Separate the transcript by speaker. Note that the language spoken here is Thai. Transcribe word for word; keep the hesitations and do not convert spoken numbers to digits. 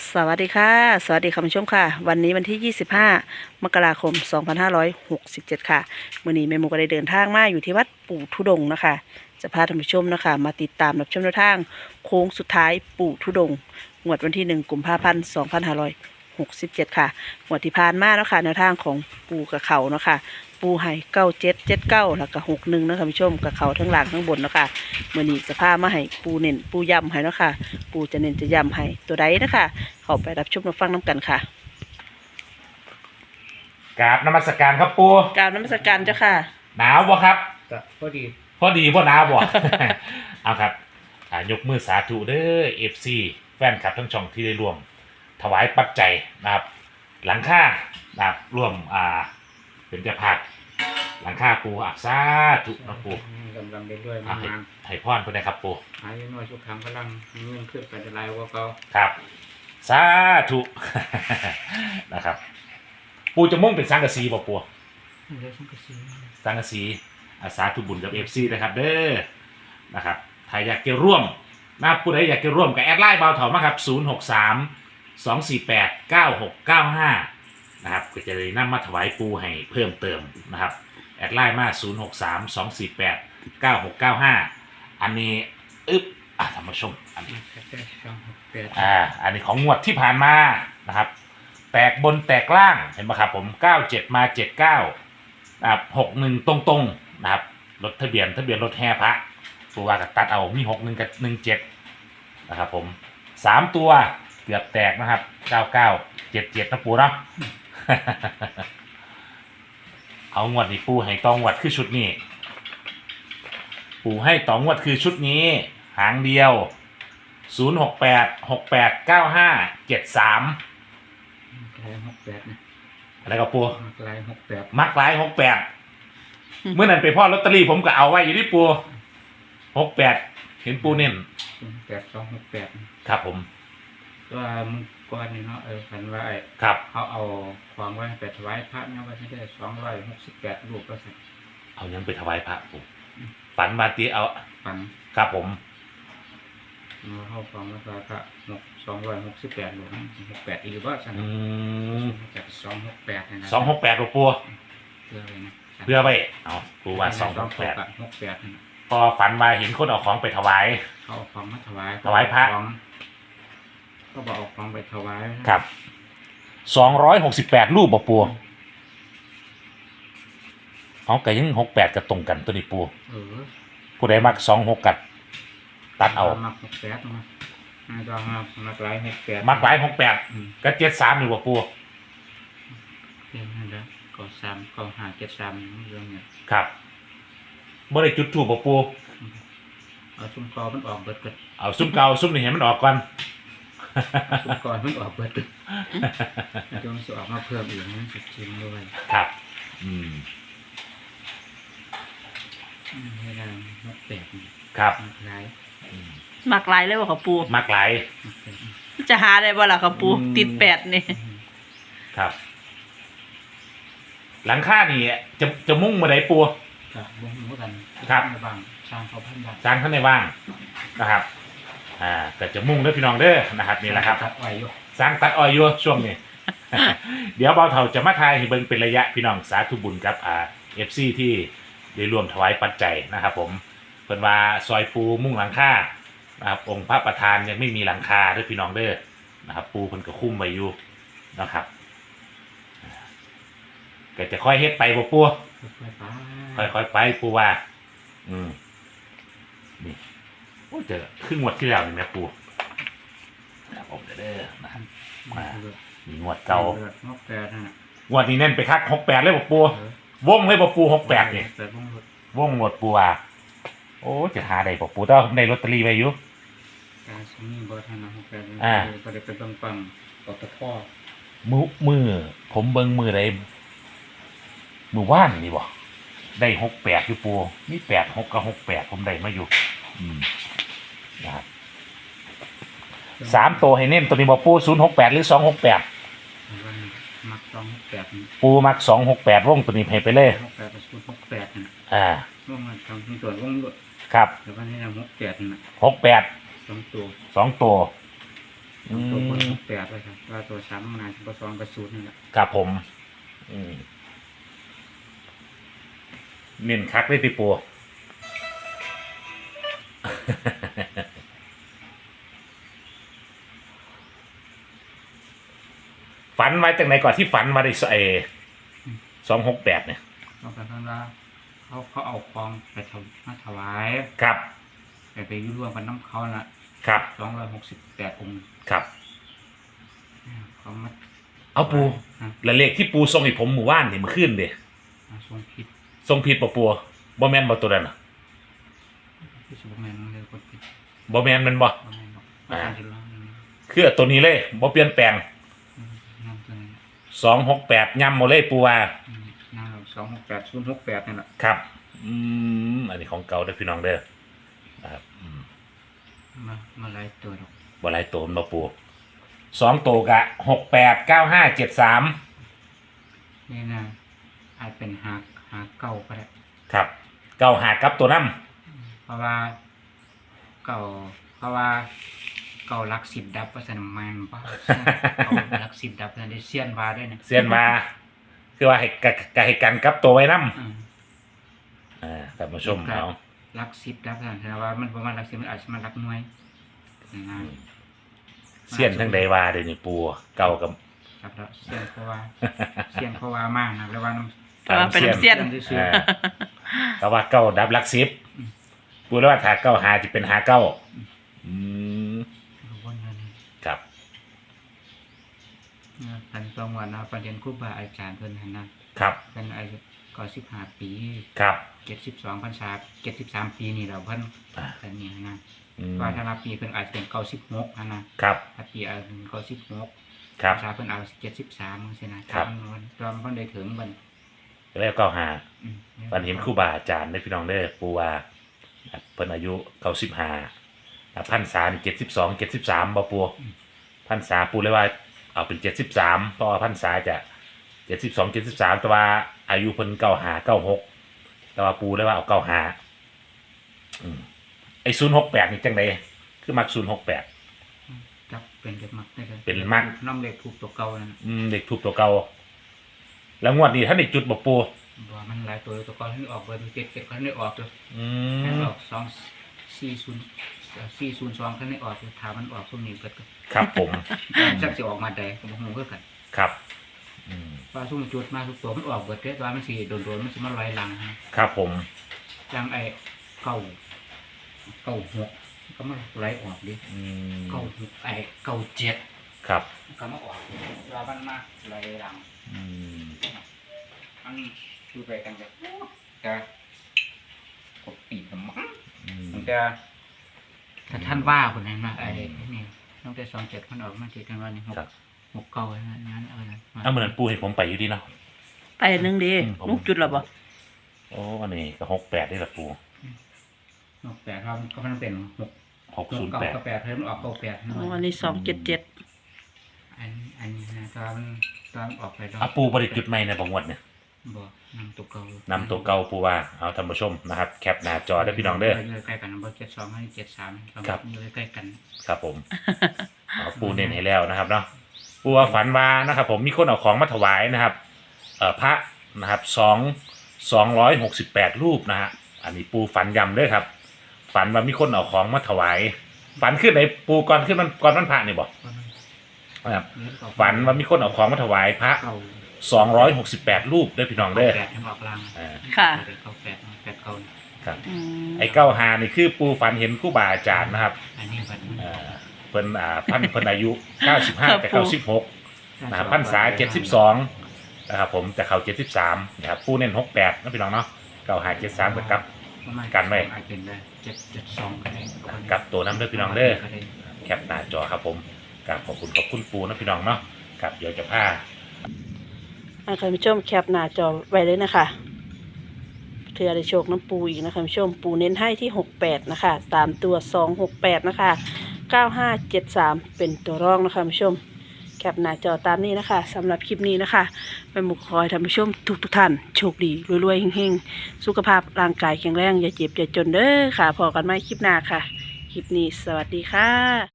Speaker 1: สวัสดีค่ะสวัสดีคุณผู้ชมค่ะวันนี้วันที่ยี่สิบห้ามกราคมสองพันห้าร้อยหกสิบเจ็ดค่ะมื้อนี้แม่หมูก็ได้เดินทางมาอยู่ที่วัดปู่ทุดงค์นะคะจะพาท่านผู้ชมนะคะมาติดตามรับชมแนวทางโค้งสุดท้ายปู่ทุดงค์งวดวันที่หนึ่งกุมภาพันธ์สองพันห้าร้อยหกสิบเจ็ดค่ะงวดที่ผ่านมาเนาะค่ะแนวทางของปู่กับเขาเนาะค่ะปูไห่เก้าเจ็ดเจ็ดเก้าแล้วก็หกหนึ่งนะคะผู้ชมกับเขาทั้งหลังทั้งบนเนาะค่ะมื่อนี้จะพามาให้ปูเน้นปูย้ำให้เนาะค่ะปูจะเน้นจะย้ำให้ตัวใดนะคะเข้าไปรับชมรับฟังน้ำกันค่ะ
Speaker 2: กราบนมัสการครับปู
Speaker 1: กรารนมัสการเจ้าค่ะ
Speaker 2: หนาวบ่ครับ
Speaker 3: ก็พอดี
Speaker 2: พอดีบ่หนาวบ่ เอาครับอ่ายกมือสาธุเด้อเอฟซีแฟนคลับทั้งช่องที่ได้ร่วม ถวายปัจจัยนะครับ หลังค่านะครับร่วมอ่าเป็นเจ้าภาพหลังค่าปูอักษาธุนะปู
Speaker 3: ลำลำไปด้วย
Speaker 2: อ่ะ
Speaker 3: มาน
Speaker 2: ให้ให้พรเพิ่นนะครับปู
Speaker 3: ๆหายน้อยชุกครั้งพลังเงินขึ้นไปจะลายว่าเขา
Speaker 2: ครับสาธุ นะครับ ปูจะมุ่งเป็นสังกะสีบ่ปู
Speaker 3: เดี๋ยวฉันก็ซื้อ
Speaker 2: สังกะสีอาสาธุบุญกับ เอฟ ซี นะครับเด้อนะครับถ้าอยากจะร่วมนะครับผู้ใดอยากจะร่วมกับแอดไลน์เบาเถามาครับศูนย์หกสาม สองสี่แปด เก้าหกเก้าห้านะครับก็จะได้นำมาถวายปูให้เพิ่มเติมนะครับแอดไลน์มาศูนย์หกสาม สองสี่แปด เก้าหกเก้าห้าอันนี้อึ๊บอ่ะท่านผู้ชมอันนี้
Speaker 3: แค่แค่สองหกแปด
Speaker 2: อ่าอันนี้ของงวดที่ผ่านมานะครับแตกบนแตกล่างเห็นไหมครับผมเก้าเจ็ดมาเจ็ดเก้านะครับหกหนึ่งตรงๆนะครับรถทะเบียนทะเบียนรถแห่พระตัวว่ากับตัดเอามีหกหนึ่งกับหนึ่งเจ็ดนะครับผมสามตัวเกือบแตกนะครับเก้าเก้าเจ็ดเจ็ดนะปูเนาะ เอางวดนี้ปูให้ตองวดคือชุดนี้ปูให้ตองวดคือชุดนี้หางเดียวศูนย์หกแปด หกแปด เก้าห้า เจ็ดสาม
Speaker 3: ลายหกแปดนะ
Speaker 2: อะไรกับปู
Speaker 3: ลายหกแปด
Speaker 2: มักหลายหกแปดเมื่อนั้นไปพ่อลอตเตอรี่ผมก็เอาไว้อยู่ที่ปูหกแปดเห็นปูเน้น
Speaker 3: แปดสองหกแปด
Speaker 2: ครับผม
Speaker 3: ตัวมึงก้อนนี่เนาะเออฝันว่าไอ้
Speaker 2: ครับ
Speaker 3: เขาเอาความไว้ไปถวายพระเนี่ยว่าจะได้สองร้อยหกสิบแปดรูปแล้วสิ
Speaker 2: เอายังไปถวายพระปูฝันมาตีเอา
Speaker 3: ฝัน
Speaker 2: ครับผม
Speaker 3: มาเข้าความว่าพระหกสองร้อยหกสิบแปดรูปหกแปดอีกว่าสั่น
Speaker 2: อืม
Speaker 3: จากสองหกแปดนะ
Speaker 2: สองหกแปดปู
Speaker 3: เพื่ออะไรนะ
Speaker 2: เพื่อไว้เอาปูว่าสองหกแปด
Speaker 3: หกแปดนะ
Speaker 2: พอฝันมาเห็นคนเอาของไปถวาย
Speaker 3: เขาเอาของมาถวาย
Speaker 2: ถวายพระ
Speaker 3: ของก็บอกเอาของไปถวาย
Speaker 2: ครับสองร้อยหกสิบแปดรูปบ่ปูเอาไก่ยังหกแปดกับตรงกันตัวนี้ปู
Speaker 3: เออ
Speaker 2: ผู้ใดมักสองหกกัดตัดเอา
Speaker 3: มักหกแปดมาไม่ต้องมามักหลายหกแปด
Speaker 2: มักหลายหกแปด
Speaker 3: อืม
Speaker 2: กับเจ็ดสามอยู่บ่ปู
Speaker 3: เพียงนั้นแล้วก็สามก็หาเจ็ดสามเรื่องเนี่ย
Speaker 2: ครับบ่ได้จุดถูกบ่ปู
Speaker 3: เอาซุ้มกอมันออกเบิดกัน
Speaker 2: เอาซุ้มเก่าซุ้มนี่เห็นมันออกก่อน
Speaker 3: ซุ้มกอมันออกเบิดกันจงสออกมาเพิ่มอีกนั่นสุดจริงด้วย
Speaker 2: ครับ อืม
Speaker 3: ไม่ได้หกแปด
Speaker 2: ครับ
Speaker 3: มักหลาย
Speaker 2: อืม
Speaker 1: มักหลายเลยว่าค่ะปู
Speaker 2: มักหลาย
Speaker 3: หกแปด
Speaker 1: จะหาได้บ่ล่ะค่ะปู
Speaker 2: อืม
Speaker 1: ติดแปดนี่
Speaker 2: ครับ หลังคานี่จะจะมุ่งมาได้ปู
Speaker 3: กับวงหมูกัน
Speaker 2: ครับ
Speaker 3: ในบางสร้างเขาพันบาท
Speaker 2: สร้างข้างในว่างนะครับ อ่าก็จะมุ่งเด้อพี่น้องเด้อนะครับนี่แหละครับ
Speaker 3: ตัดไว้อยู่
Speaker 2: สร้างตัดออยอยู่ช่วงนี้ เดี๋ยวเบาเถาจะมาทายให้เบิ่งเป็นระยะพี่น้องสาธุบุญกับอ่าเอฟซีที่ได้รวมถวายปัจจัยนะครับ ผมเพิ่นว่าซอยปูมุ่งหลังคานะครับองค์พระประธานยังไม่มีหลังคาเด้อพี่น้องเด้อนะครับ ปูเพิ่นก็คุ้มไว้อยู่นะครับก็จะค่อยเฮ็ดไปบ่ปู
Speaker 3: ค่อยๆไป
Speaker 2: ค่อยๆไปปูว่า อืมนี่โอ้เจอครึ่งงวดที่แล้วนี่แม่ปูครับผมเด้อนะครับ มา มีงวดเก่า
Speaker 3: หกแปดนะ
Speaker 2: งวดนี้เน้นไปคักหกแปดเลยบ่ปู
Speaker 3: เออ
Speaker 2: วงเลยบ่ปูหกแปดนี่
Speaker 3: แปดวงรถ
Speaker 2: วงหมดปูว่าโอ้จะหาได้บ่ปูแต่ว่าผมได้ลอตเตอรี่ไว้อยู่
Speaker 3: การสมีบอทานะหกแปด
Speaker 2: อ่า
Speaker 3: ก็ได้เป็นปังๆปตท
Speaker 2: มือมือผมเบิ่งมือใดมือว่านนี่บ่ได้หกแปดอยู่ปูมีแปดหกกับหกแปดผมได้มาอยู่ อืมนะครับสามตัวให้เน้นตัวนี้บ่ปูศูนย์หกแปดหรือสองหกแปด
Speaker 3: วันมักสองหกแปดนี่
Speaker 2: ปูมักสองหกแปดวงตัวนี้ให้ไปเลย
Speaker 3: หกแปดกับศูนย์หกแปดนะ
Speaker 2: อ่า
Speaker 3: วงมันทำเป็นตัววงรถ
Speaker 2: ครับ
Speaker 3: แต่วันนี้นะหกแปดนะ
Speaker 2: หกแปด
Speaker 3: สองตัว
Speaker 2: สองตัว
Speaker 3: สองตัวบนหกแปดเลยครับว่าตัวสามมันอาจจะสองกับศูนย์นี่แหละ
Speaker 2: ครับผมอืมเน้นคักเลยติปู ฝันไว้จากไหนก่อนที่ฝันมาได้ไอสองหกแปดเนี่ย
Speaker 3: เขาเป็นว่าเขาเขาเอาคลองไปถวมาถวาย
Speaker 2: ครับ
Speaker 3: ไปไปร่วมกันน้ำเขาละ
Speaker 2: ครับ
Speaker 3: สองร้อยหกสิบแปดองค์
Speaker 2: ครับ
Speaker 3: เขามา
Speaker 2: เอาปู
Speaker 3: ฮะ
Speaker 2: และเลขที่ปูทรงให้ผมหมู่บ้านนี่มันขึ้นเด้
Speaker 3: มาทรงผิด
Speaker 2: ทรงผิดปะปูบ่แมนบ่ตัวนั้นน่ะ
Speaker 3: ที่สุดแมนเลยคนผิด
Speaker 2: บ่แมนแมันบ่
Speaker 3: บ่แมนบอกอาจารย์จะร้องอย่างนี้
Speaker 2: คือตัวนี้เลยบ่เปลี่ยนแปลง
Speaker 3: อืมนั่นตัวนี้
Speaker 2: สองหกแปดย่ำมาเลยปูว่า
Speaker 3: อืมนั่นสองหกแปดศูนย์หกแปดนี่แหละ
Speaker 2: ครับ อืมอันนี้ของเก่าเด้อพี่น้องเด้อนะครับอืม
Speaker 3: มามาไล่ตัวดอก
Speaker 2: บ่หลายตัวมันบ่ปูสองตัวกะหกแปดเก้าห้าเจ็ดสาม
Speaker 3: นี่นะอาจเป็นหาหาเก่าก็ได้
Speaker 2: ครับเก้าหากับตัวน้
Speaker 3: เพราะว่าเก่าเพราะว่าเก่ารักสิบดับว่าสนามมันป่ะเก่ารักสิบดับนั่นได้เซียนวาด้วยนะ
Speaker 2: ำเสียนมาคือว่าให้กะกะให้กันกับตัวไว้น้
Speaker 3: อืม
Speaker 2: ำอ่าท่านผู้ชมเอา
Speaker 3: รักสิบดับนั่นแสดงว่ามันประมาณรักสิบมันอาจจะมารักหน่วยนะ
Speaker 2: เสียนทั้งใดว่าเดี๋ยวนี้ปูเก่ากับ
Speaker 3: ครับแล้วเซียนเพราะว่าเซียนเพราะว่ามากนะแล้วว่าน้ำ
Speaker 1: แต่ว่าเป็นน้ำเสี้ยน
Speaker 3: ซื่อ
Speaker 2: อ่าแต่ว่าเก้าดับหลักสิบปูแล้วว่าถ้าเก้าหาจะเป็นหาเก้าอืม
Speaker 3: ๆวนนั่น
Speaker 2: ครับ
Speaker 3: พันสองวันนะประเด็นครูบาอาจารย์เพิ่นหันนะครับ เป็นอายุก็สิบห้าปี
Speaker 2: ครับ
Speaker 3: เจ็ดสิบสองพรรษาเจ็ดสิบสามปีนี่เราเพิ่น
Speaker 2: อ่า
Speaker 3: กันนี่นะ
Speaker 2: อืม
Speaker 3: ว่าถ้านับปีเพิ่นอาจจะเป็นเก้าสิบหกนะครับ ถ้าปีอาจเป็นเก้าสิบหก
Speaker 2: ครับ
Speaker 3: พรรษาเพิ่นเอาเจ็ดสิบสามใช่นะครับ วันตอนเพิ่นได้ถึงเพิ่น
Speaker 2: แล้วเก้าหา
Speaker 3: อืม
Speaker 2: ฝันเห็นครูบาอาจารย์ได้อพี่น้องเด้อปูว่าเพิ่นอายุเก้าสิบห้าพันษานี่เจ็ดสิบสองเจ็ดสิบสามบ่ปูพันษาปูเลยว่าเอาเป็นเจ็ดสิบสามเพราะว่าพันษาจะเจ็ดสิบสองเจ็ดสิบสามแต่ว่าอายุเพิ่นเก้าหาเก้าหกแต่ว่าปูเลยว่าเอาเก้าหาอืมไอ้ศูนย์หกแปดนี่จังไดคือมักศูนย์หกแปด
Speaker 3: จับเป็นเด็กมักได้เลย
Speaker 2: เป็นมัก
Speaker 3: น้ำเล็กถูกตัวเก่านั่นน่ะ
Speaker 2: อืมเด็กถูกตัวเก่าแล้วงวดนี้ท่านได้จุดบ่ปู
Speaker 3: บ่ว่ามันหลายตัวตัวเก่าที่ออกเบอร์เจ็ดเจ็ดเขาได้ออกเลย
Speaker 2: อื
Speaker 3: ให้
Speaker 2: ม
Speaker 3: ออกสองสี่ศูนย์สี่ศูนย์สองเขาได้ออกเลยถามมันออกพวกนี้เกิดกัน
Speaker 2: ครับผม
Speaker 3: จักสิออกมาใดก็บ่ฮู้คือกัน
Speaker 2: ครับอืม
Speaker 3: ว่าซุ่มจุดมาทุกตัวมันออกเบิดเด้ว่ามันสิโดนๆมันสิมาลอยหลังฮะ
Speaker 2: ครับผม
Speaker 3: จังไอ้เก้าเก้าหกก็มาไหลออกดิ
Speaker 2: อืม
Speaker 3: เก้าหกไอ้เก้าเจ็ด
Speaker 2: ครับ
Speaker 3: ก็มาออกว่ามันมาไหลหลัง
Speaker 2: อืม
Speaker 3: อันนี้คือไปกันจะจะกดปีกกับมั้ง
Speaker 2: อืม
Speaker 3: มันจะถ้าท่านว่าคนนั้นมาไอ้นี่ตั้งแต่สองเจ็ดมันออกมาเจ็ดกันวันนี้หก
Speaker 2: ครับ
Speaker 3: หกเก้าอันนั้นเออนะ
Speaker 2: เอาเหมือนปูให้ผมไปอยู่ดีเนาะ
Speaker 1: ไปหนึ่งดี
Speaker 2: อืมผม
Speaker 1: ลูกจุดหรอบ่
Speaker 2: โอ้อันนี้ก็หกแปดได้ละปู
Speaker 3: หกแปดครับก็มันเป็นหก
Speaker 2: หก
Speaker 3: ห
Speaker 2: ศู
Speaker 3: ก
Speaker 2: นย์
Speaker 3: เก้า
Speaker 2: แปด
Speaker 3: กับแปดเพิ่มออกเก้าแปด
Speaker 1: อ๋ออันนี้สองเจ็ดเจ็ด
Speaker 3: อันอันนี้นะตอนตอนออกไปดอก
Speaker 2: อ่ะปูบริจุดใหม่ในบางวันเนี่ย
Speaker 3: บอกนำตัวเก่าน
Speaker 2: ำตัวเก่าปูว่าเอาท่านผู้ชมนะครับ แคปหน้าจอได้อพี่น้องเด้อ
Speaker 3: อยู่ใกล้กันนะเบอร์เจ็ดสองให้เจ็ดสาม
Speaker 2: ครับ
Speaker 3: อยู่ใกล้กัน
Speaker 2: ครับผม เอาปูเน้นให้แล้วนะครับเนาะปูว่าฝันว่านะครับ ผมมีคนเอาของมาถวายนะครับเอ่อพระนะครับสองสองร้อยหกสิบแปดรูปนะฮะอันนี้ปูฝันย้ำด้วยครับ ฝันว่ามีคนเอาของมาถวาย ฝันขึ้นไหนปูก่อนขึ้นมันก่อนมันพระนี่บอก
Speaker 3: ก็มัน
Speaker 2: นะครับ
Speaker 3: เลี้ยงต่อ
Speaker 2: ฝันว่ามีคนเอาของมาถวายพระ
Speaker 3: เก่า
Speaker 2: สองร้อยหกสิบแปดรูปเด้อพี่น้องเด้อ
Speaker 3: แปดยังออกลาง
Speaker 2: อ่า
Speaker 1: ค่ะ
Speaker 3: เก้าแปดแปดเก้า
Speaker 2: ครับ
Speaker 1: อืม
Speaker 2: ไอ้เก้าหานี่คือปูฝันเห็นครูบาอาจารย์นะครับ
Speaker 3: อันนี้บัดนี้
Speaker 2: เอ่อเพิ่นอ่าพันเพิ่นอายุเก้าสิบห้ากับเก้าสิบหกนะครับพรรษาเจ็ดสิบสองนะครับผมจะเข้าเจ็ดสิบสามนะครับปูเน้นหกแปดนะพี่น้องเนาะเก้าหาเจ็ดสามกับ
Speaker 3: ประมาณ
Speaker 2: กันไว้
Speaker 3: อาจเป็นได้เจ็ดเจ็ดสองก็ได้
Speaker 2: กับตัวน้ำเด้อพี่น้องเด้อ
Speaker 3: ก็ได้
Speaker 2: แคปหน้าจอครับผมกราบขอบคุณขอบคุณปูนะพี่น้องเนาะกับเดี๋ยวจะพา
Speaker 1: อ่าท่านผู้ชมแคปหน้าจอไว้เลยนะคะเพื่อได้โชคน้ำปูอีกนะคะท่านผู้ชมปูเน้นให้ที่หกแปดนะคะสามตัวสองหกแปดนะคะเก้าห้าเจ็ดสามเป็นตัวรองนะคะท่านผู้ชม แคปหน้าจอตามนี้นะคะสำหรับคลิปนี้นะคะแม่หมูคอยท่านผู้ชมทุกทุกๆท่านโชคดีรวยๆเฮงๆสุขภาพร่างกายแข็งแรงอย่าเจ็บอย่าจนเด้อค่ะพอกันไหมคลิปหน้าค่ะ คลิปนี้สวัสดีค่ะ